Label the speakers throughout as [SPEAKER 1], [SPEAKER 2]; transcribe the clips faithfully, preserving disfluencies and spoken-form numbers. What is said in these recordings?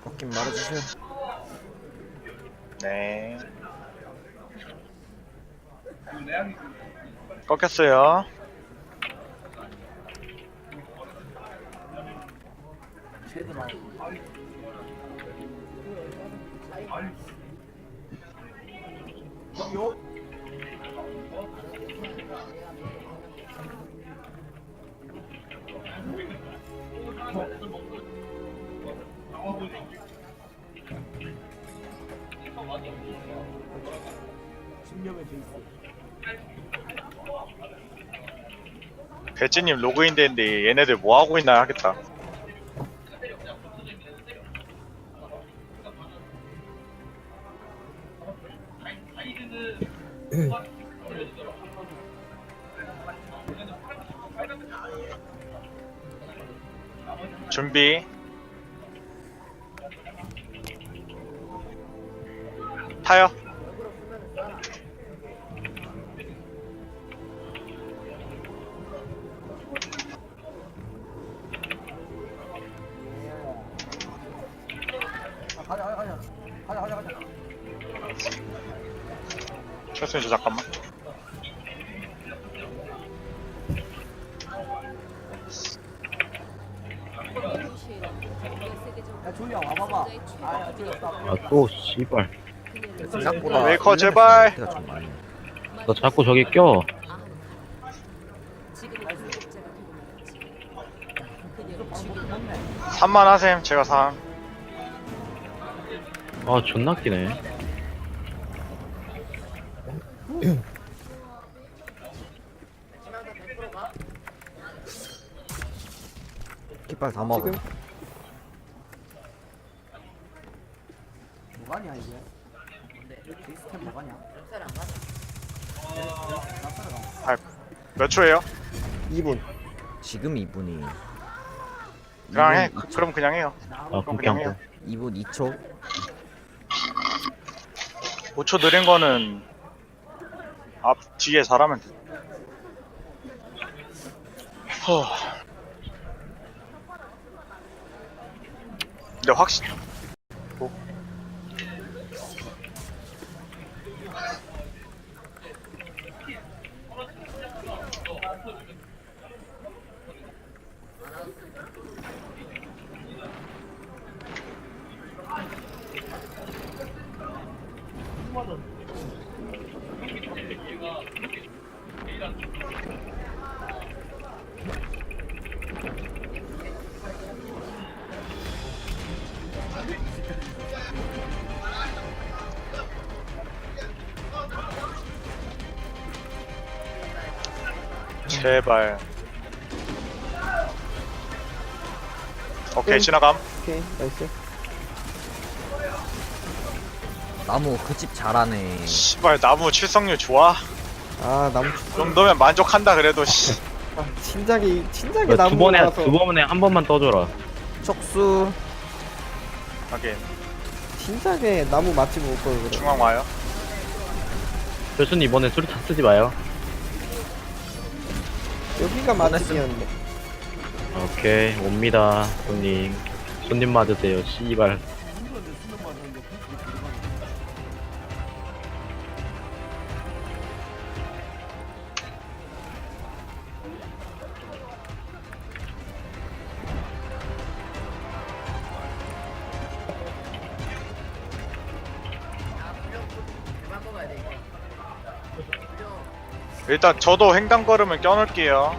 [SPEAKER 1] 꺾인 말해주세요.
[SPEAKER 2] 네. 꺾였어요. 배지님 로그인 됐는데 얘네들 뭐 하고 있나 하겠다. 준비. 타요.
[SPEAKER 3] 가자 가자 가자 가자 가자 가자.
[SPEAKER 2] 철수님 저 잠깐만.
[SPEAKER 3] 야 조이야 와봐봐. 아야 조이 없다.
[SPEAKER 4] 아 또 씨발
[SPEAKER 1] 생각보다
[SPEAKER 2] 메이커 제발.
[SPEAKER 1] 상태가 좀 많네.
[SPEAKER 4] 너 자꾸 저기 껴.
[SPEAKER 2] 삼만 하셈. 제가 삼.
[SPEAKER 4] 아 존나 끼네.
[SPEAKER 1] 깃발 다 먹어.
[SPEAKER 3] 뭐가냐 이게? 시스템 뭐가냐?
[SPEAKER 2] 몇 초예요?
[SPEAKER 1] 이 분. 지금 이 분이.
[SPEAKER 2] 그냥 해. 그- 그럼 그냥 해요.
[SPEAKER 4] 아
[SPEAKER 2] 그럼 그냥
[SPEAKER 4] 그냥
[SPEAKER 2] 해요.
[SPEAKER 1] 이 분 이 초.
[SPEAKER 2] 오 초 느린 거는 앞 뒤에 잘하면 돼. 허. 근데 확실. 뭐? 제발. 오케이 지나감.
[SPEAKER 1] 오케이 나이스. 나무 그 집 잘하네.
[SPEAKER 2] 씨발 나무 출석률 좋아.
[SPEAKER 5] 아 나무
[SPEAKER 2] 그 정도면 만족한다 그래도 씨.
[SPEAKER 5] 아, 진작에 진작에
[SPEAKER 4] 두
[SPEAKER 5] 나무
[SPEAKER 4] 번에
[SPEAKER 5] 나서
[SPEAKER 4] 두 번에 한 번만 떠줘라.
[SPEAKER 1] 촉수.
[SPEAKER 2] 하긴
[SPEAKER 5] 진작에 나무 맛집 올 걸 그래.
[SPEAKER 2] 중앙 와요.
[SPEAKER 4] 교수님 이번에 수리탄 쓰지 마요.
[SPEAKER 5] 여기가 맛집이었는데.
[SPEAKER 4] 오케이 옵니다 손님. 손님 맞으세요 씨발.
[SPEAKER 2] 일단 저도 횡단 걸음을 껴놓을게요.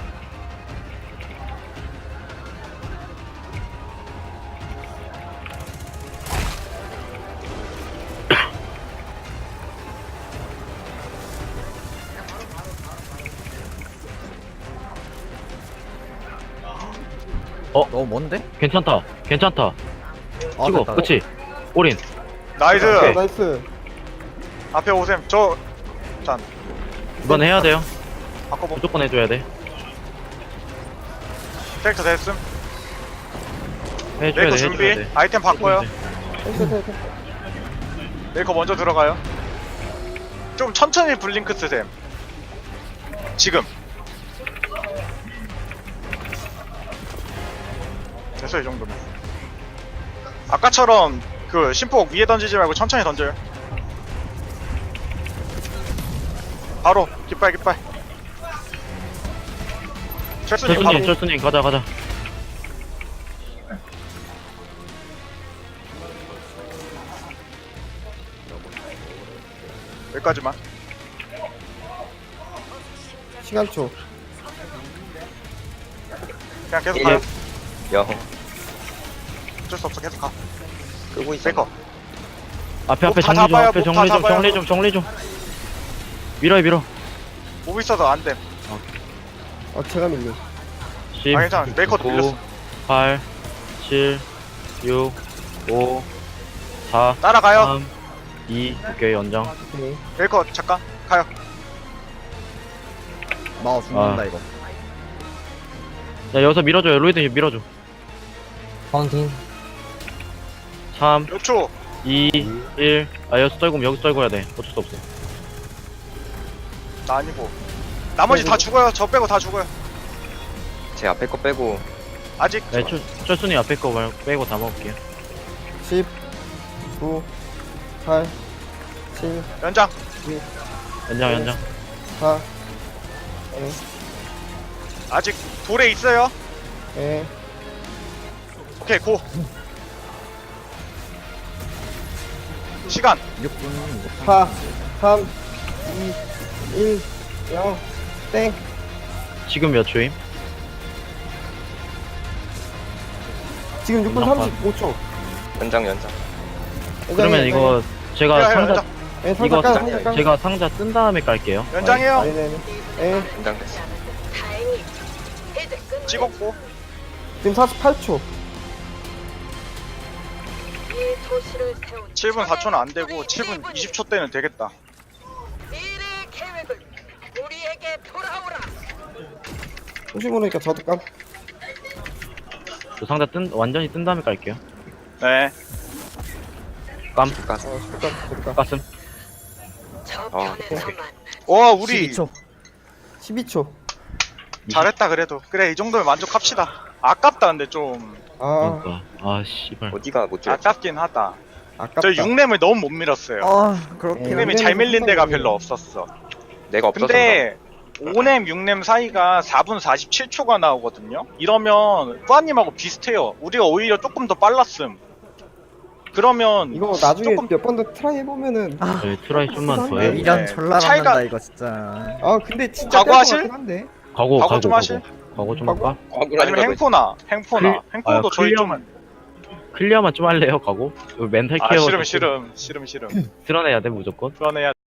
[SPEAKER 1] 너무 먼데?
[SPEAKER 4] 괜찮다 괜찮다.
[SPEAKER 1] 아,
[SPEAKER 4] 치고
[SPEAKER 1] 됐다.
[SPEAKER 4] 그치 올인.
[SPEAKER 2] 나이스.
[SPEAKER 5] 아, 나이스.
[SPEAKER 2] 앞에 오셈. 저 짠.
[SPEAKER 4] 이번 해야 돼요.
[SPEAKER 2] 바꿔보.
[SPEAKER 4] 무조건 해줘야 돼.
[SPEAKER 2] 캐릭터 됐음.
[SPEAKER 4] 해줘야
[SPEAKER 2] 메이커
[SPEAKER 4] 돼
[SPEAKER 2] 준비.
[SPEAKER 4] 해줘야 돼.
[SPEAKER 2] 아이템 바꿔요.
[SPEAKER 5] 됐어 됐어.
[SPEAKER 2] 메이커 먼저 들어가요. 좀 천천히 블링크 쓰셈. 지금. 됐어 이 정도면. 아까처럼 그 심폭 위에 던지지 말고 천천히 던져요. 바로 깃발 깃발. 철수님 바로.
[SPEAKER 4] 철수님, 철수님, 가자, 가자.
[SPEAKER 2] 여기까지만.
[SPEAKER 5] 시간초.
[SPEAKER 2] 그냥 계속
[SPEAKER 6] 예.
[SPEAKER 2] 가요.
[SPEAKER 6] 여
[SPEAKER 2] 어쩔 수 없어 계속 가.
[SPEAKER 6] 끄고 있어.
[SPEAKER 2] 베이커.
[SPEAKER 4] 앞에, 앞에
[SPEAKER 2] 목 다
[SPEAKER 4] 정리 좀,
[SPEAKER 2] 잡아요,
[SPEAKER 4] 앞에
[SPEAKER 2] 목 다
[SPEAKER 4] 정리 좀,
[SPEAKER 2] 잡아요.
[SPEAKER 4] 정리 좀, 정리 좀. 밀어요, 밀어.
[SPEAKER 2] 목 있어서 안 됨.
[SPEAKER 5] 아 제가 밀려.
[SPEAKER 4] 십,
[SPEAKER 2] 아 괜찮아. 메이커도
[SPEAKER 4] 구,
[SPEAKER 2] 밀렸어.
[SPEAKER 4] 팔, 칠, 육, 오, 사,
[SPEAKER 2] 따라가요.
[SPEAKER 4] 삼, 이, 오케이, 연장.
[SPEAKER 5] 오케이.
[SPEAKER 2] 메이커 잠깐 가요.
[SPEAKER 1] 나 죽는다
[SPEAKER 4] 아.
[SPEAKER 1] 이거.
[SPEAKER 4] 야, 여기서 밀어줘요, 로이드 밀어줘.
[SPEAKER 5] 파운틴.
[SPEAKER 4] 삼,
[SPEAKER 2] 육 초.
[SPEAKER 4] 이, 일. 아, 여기서 떨구면 여기서 떨궈야 돼. 어쩔 수 없어.
[SPEAKER 2] 나 아니고. 나머지 다 죽어요. 저 빼고 다 죽어요.
[SPEAKER 6] 제 앞에 거 빼고
[SPEAKER 2] 아직
[SPEAKER 4] 네, 철, 철순이 앞에 거 말고 빼고 다 먹을게요.
[SPEAKER 5] 십, 구, 팔, 칠,
[SPEAKER 2] 연장.
[SPEAKER 4] 연장, 연장.
[SPEAKER 5] 사, 에,
[SPEAKER 2] 아직 돌에 있어요.
[SPEAKER 5] 에,
[SPEAKER 2] 오케이 고. 시간.
[SPEAKER 1] 육 분.
[SPEAKER 5] 사, 삼, 이, 일, 영, 땡.
[SPEAKER 4] 지금 몇 초임?
[SPEAKER 5] 지금 육 분
[SPEAKER 4] 연장
[SPEAKER 5] 삼십오 초.
[SPEAKER 6] 연장 연장.
[SPEAKER 4] 그러면 이거 제가
[SPEAKER 2] 해요, 해요,
[SPEAKER 4] 상자
[SPEAKER 2] 연장.
[SPEAKER 5] 에, 상자
[SPEAKER 4] 이거
[SPEAKER 5] 깔,
[SPEAKER 6] 상자,
[SPEAKER 5] 상자 깔.
[SPEAKER 4] 제가 상자 뜬 다음에 깔게요.
[SPEAKER 2] 연장해요.
[SPEAKER 5] 아, 네네네. 에,
[SPEAKER 6] 연장 됐어.
[SPEAKER 2] 찍었고.
[SPEAKER 5] 지금 사십팔 초.
[SPEAKER 2] 칠 분 사 초는 안 되고 칠 분 이십 초 때는 되겠다.
[SPEAKER 7] 미래 계획을 우리에게 돌아오라.
[SPEAKER 5] 혹시 모르니까 저도 깜.
[SPEAKER 4] 저 상자 뜬 완전히 뜬 다음에 깔게요.
[SPEAKER 2] 네.
[SPEAKER 4] 깜,
[SPEAKER 6] 가서
[SPEAKER 5] 어, 저도 깜, 저도 깜.
[SPEAKER 4] 가슴.
[SPEAKER 7] 저편에서만
[SPEAKER 2] 와 우리
[SPEAKER 1] 십이 초.
[SPEAKER 5] 십이 초.
[SPEAKER 2] 잘했다 그래도. 그래 이 정도면 만족합시다. 아깝다 근데 좀
[SPEAKER 5] 아,
[SPEAKER 4] 그러니까 아 씨발.
[SPEAKER 6] 어디가 못 줄였지?
[SPEAKER 2] 아깝긴 하다.
[SPEAKER 5] 아깝다.
[SPEAKER 2] 저 육 렘을 너무 못 밀었어요.
[SPEAKER 1] 아 그렇긴
[SPEAKER 5] 네.
[SPEAKER 2] 육 렘이 잘 밀린 데가 별로 없었어.
[SPEAKER 6] 내가 없어서
[SPEAKER 2] 근데 오 렘, 육 렘 사이가 사 분 사십칠 초가 나오거든요. 이러면 뿌아님하고 비슷해요. 우리가 오히려 조금 더 빨랐음. 그러면
[SPEAKER 5] 이거 나중에
[SPEAKER 2] 조금
[SPEAKER 5] 몇 번 더 트라이 해보면은
[SPEAKER 4] 저희 트라이 좀만 더
[SPEAKER 5] 네.
[SPEAKER 4] 해.
[SPEAKER 1] 미련 졸라
[SPEAKER 2] 차이가-
[SPEAKER 1] 난다 이거 진짜.
[SPEAKER 5] 아 근데 진짜
[SPEAKER 2] 각오하실?
[SPEAKER 5] 뗄것 같긴 한데.
[SPEAKER 4] 가고
[SPEAKER 2] 각오
[SPEAKER 4] 가고
[SPEAKER 2] 좀
[SPEAKER 4] 가고.
[SPEAKER 2] 하실?
[SPEAKER 4] 가고 좀
[SPEAKER 5] 가고?
[SPEAKER 4] 할까?
[SPEAKER 2] 아니면 행포나 행포나
[SPEAKER 4] 클-
[SPEAKER 2] 행포도
[SPEAKER 4] 아,
[SPEAKER 2] 저희 좀
[SPEAKER 4] 클리어만 클리어만 좀 할래요, 가고? 이거 멘탈
[SPEAKER 2] 아
[SPEAKER 4] 케어
[SPEAKER 2] 싫음
[SPEAKER 4] 좀
[SPEAKER 2] 싫음 싫음 싫음
[SPEAKER 4] 드러내야 돼 무조건.
[SPEAKER 2] 그러네야